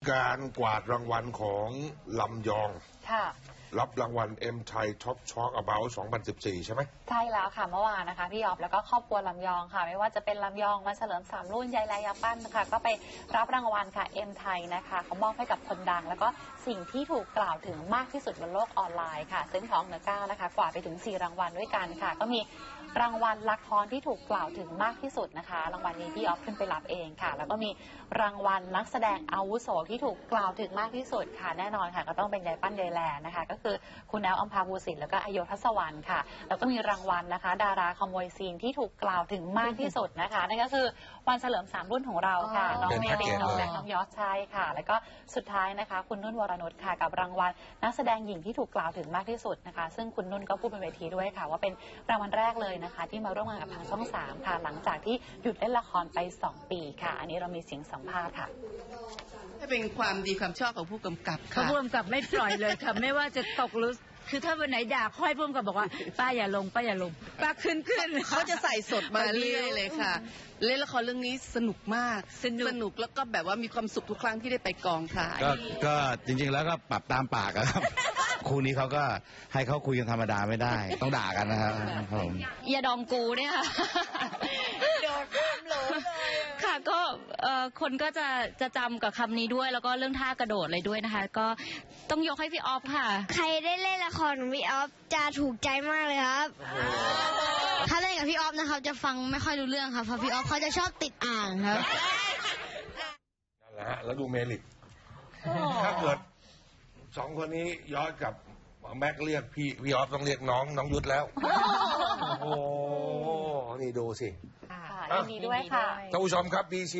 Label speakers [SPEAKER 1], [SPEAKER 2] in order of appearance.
[SPEAKER 1] การกวาดรางวัลของลำยอง
[SPEAKER 2] ค่ะ
[SPEAKER 1] รับรางวัล M Thai Top Talk About 2014 ใช่ไหม
[SPEAKER 2] ใช่แล้วค่ะเมื่อวานนะคะพี่ออฟแล้วก็ครอบครัวลำยองค่ะไม่ว่าจะเป็นลำยองวันเฉลิม3รุ่นยายแลยาปั้นนะคะก็ไปรับรางวัลค่ะ M Thai นะคะเขามอบให้กับคนดังแล้วก็สิ่งที่ถูกกล่าวถึงมากที่สุดบนโลกออนไลน์ค่ะซึ่งของเหนือก้าวนะคะกวาดไปถึง4รางวัลด้วยกันค่ะก็มีรางวัลละครที่ถูกกล่าวถึงมากที่สุดนะคะรางวัลนี้พี่ออฟขึ้นไปรับเองค่ะแล้วก็มีรางวัลนักแสดงอาวุโสที่ถูกกล่าวถึงมากที่สุดค่ะแน่นอนค่ะก็ต้องเป็นยายปั้นยายแลนะคะก็คือคุณแอลอัมพาภูสิทธิ์แล้วก็อโยทัศวรรณค่ะแล้วก็มีรางวัลนะคะดาราขโมยซีนที่ถูกกล่าวถึงมากที่สุดนะคะนั่นก็คือวันเฉลิม3รุ่นของเราค่ะน้องเมลินน้องแบงค์น้องยอสใช่ค่ะแล้วก็สุดท้ายนะคะคุณนุ่นวรนุชค่ะกับรางวัลนักแสดงหญิงที่ถูกกล่าวถึงมากที่สุดนะคะซึ่งคุณนุ่นก็พูดบนเวทีด้วยค่ะว่าเป็นรางวัลแรกเลยนะคะที่มาร่วมงานกับทางช่อง3ค่ะหลังจากที่หยุดเล่นละครไป2 ปีค่ะอันนี้เรามีเสียงสัมภาษณ์ค่ะ
[SPEAKER 3] เป็นความดีความชอบของผู้กำกับค่ะ
[SPEAKER 4] ผู้กำกับไม่ปล่อยเลยค่ะไม่ว่าจะตกหรือคือถ้าวันไหนด่าค่อยผู้กำกับบอกว่าป้าอย่าลงป้าอย่าลงป้าขึ้น
[SPEAKER 3] เขาจะใส่สดมาเรื่อยเลยค่ะเล่นละครเรื่องนี้สนุกมากสนุกแล้วก็แบบว่ามีความสุขทุกครั้งที่ได้ไปกองถ่าย
[SPEAKER 5] ก็จริงๆแล้วก็ปรับตามปากครับคู่นี้เขาก็ให้เขาคุยกันธรรมดาไม่ได้ต้องด่ากันนะครับผม
[SPEAKER 6] อย่าดองกูเนี่ยค่ะ
[SPEAKER 4] โดดข้ามโหลเลย
[SPEAKER 6] ค่ะก็คนก็จะจำกับคำนี้ด้วยแล้วก็เรื่องท่ากระโดดเลยด้วยนะคะก็ต้องยกให้พี่ออฟค่ะ
[SPEAKER 7] ใครได้เล่นละครของพี่ออฟจะถูกใจมากเลยครับถ้าเล่นกับพี่ออฟนะครับจะฟังไม่ค่อยรู้เรื่องครับเพราะพี่ออฟเขาจะชอบติดอ่างครับ
[SPEAKER 1] นั่นแหละฮะแล้วดูเมลิกถ้าเกิด2 คนนี้ย้อนกับแม็กเรียกพี่ออฟต้องเรียกน้องยุทธแล้วโอ้โหนี่ดูสิ
[SPEAKER 2] ยินดีด้วยค่ะ
[SPEAKER 1] ท่านผู้ชมครับ BC